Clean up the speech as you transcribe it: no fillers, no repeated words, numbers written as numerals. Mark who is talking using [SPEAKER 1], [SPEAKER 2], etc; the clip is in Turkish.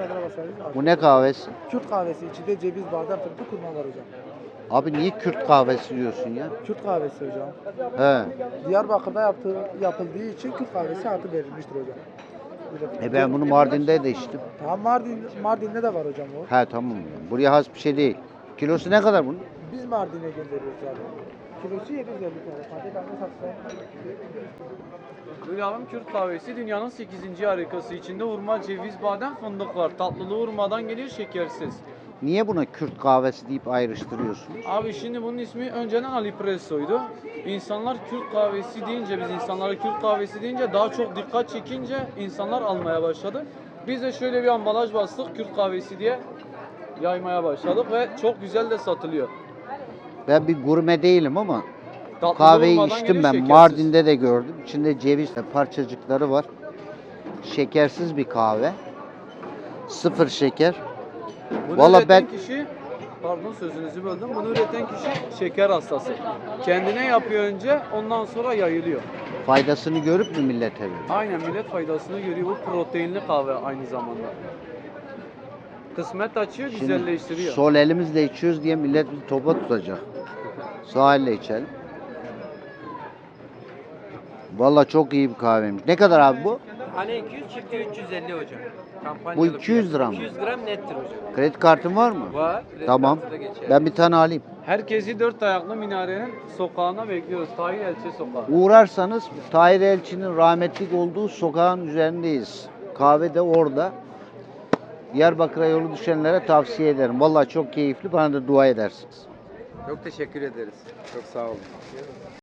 [SPEAKER 1] çadıra basarız.
[SPEAKER 2] Bu ne kahvesi?
[SPEAKER 1] Kürt kahvesi içinde ceviz, badem, fındık, kurma var hocam.
[SPEAKER 2] Abi niye Kürt kahvesi diyorsun ya?
[SPEAKER 1] Kürt kahvesi hocam.
[SPEAKER 2] He.
[SPEAKER 1] Diyarbakır'da yapıldığı için Kürt kahvesi adı verilmiştir hocam.
[SPEAKER 2] Ben bunu Mardin'de de içtim.
[SPEAKER 1] Tamam Mardin'de de var hocam o.
[SPEAKER 2] He tamam. Buraya has bir şey değil. Kilosu ne kadar bunun?
[SPEAKER 1] Biz Mardin'e gönderiyoruz abi. Kilosu 750 TL. Hadi ben de satsam.
[SPEAKER 3] Hülyalım Kürt kahvesi dünyanın 8. harikası. İçinde hurma, ceviz, badem, fındık var. Tatlılığı hurmadan geliyor, şekersiz.
[SPEAKER 2] Niye buna Kürt kahvesi deyip ayrıştırıyorsun?
[SPEAKER 3] Abi şimdi bunun ismi önceden Alipresso'ydu. İnsanlar Kürt kahvesi deyince, biz insanlara Kürt kahvesi deyince daha çok dikkat çekince insanlar almaya başladı. Biz de şöyle bir ambalaj bastık Kürt kahvesi diye yaymaya başladık ve çok güzel de satılıyor.
[SPEAKER 2] Ben bir gurme değilim ama
[SPEAKER 3] Tatlı
[SPEAKER 2] kahveyi
[SPEAKER 3] olmadan
[SPEAKER 2] içtim
[SPEAKER 3] geliyor,
[SPEAKER 2] ben.
[SPEAKER 3] şekersiz.
[SPEAKER 2] Mardin'de de gördüm. İçinde ceviz parçacıkları var. Şekersiz bir kahve. Sıfır şeker.
[SPEAKER 3] Bunu
[SPEAKER 2] Vallahi
[SPEAKER 3] üreten
[SPEAKER 2] ben-
[SPEAKER 3] kişi, pardon sözünüzü böldüm. Bunu üreten kişi şeker hastası. Kendine yapıyor önce, ondan sonra yayılıyor.
[SPEAKER 2] Faydasını görüp mü millete veriyor?
[SPEAKER 3] Aynen millet faydasını görüyor. Bu proteinli kahve aynı zamanda. Kısmet açıyor, güzelleştiriyor.
[SPEAKER 2] Sol elimizle içiyoruz diye millet bizi topa tutacak. Sağ elle içelim. Vallahi çok iyi bir kahveymiş. Ne kadar abi bu?
[SPEAKER 4] Hani 200 çıktı 350 hocam. Kampanyalı
[SPEAKER 2] Bu 200 lira mı?
[SPEAKER 4] 200 gram nettir hocam.
[SPEAKER 2] Kredi kartın var mı?
[SPEAKER 4] Var. kredi
[SPEAKER 2] Tamam.
[SPEAKER 4] kartı da geçerli.
[SPEAKER 2] Ben bir tane alayım.
[SPEAKER 3] Herkesi dört ayaklı minarenin sokağına bekliyoruz. Tahir Elçi Sokağı.
[SPEAKER 2] Uğrarsanız Tahir Elçi'nin rahmetlik olduğu sokağın üzerindeyiz. Kahve de orada. Diyarbakır'a yolu düşenlere tavsiye ederim. Vallahi çok keyifli. Bana da dua edersiniz.
[SPEAKER 4] Çok teşekkür ederiz. Çok sağ olun.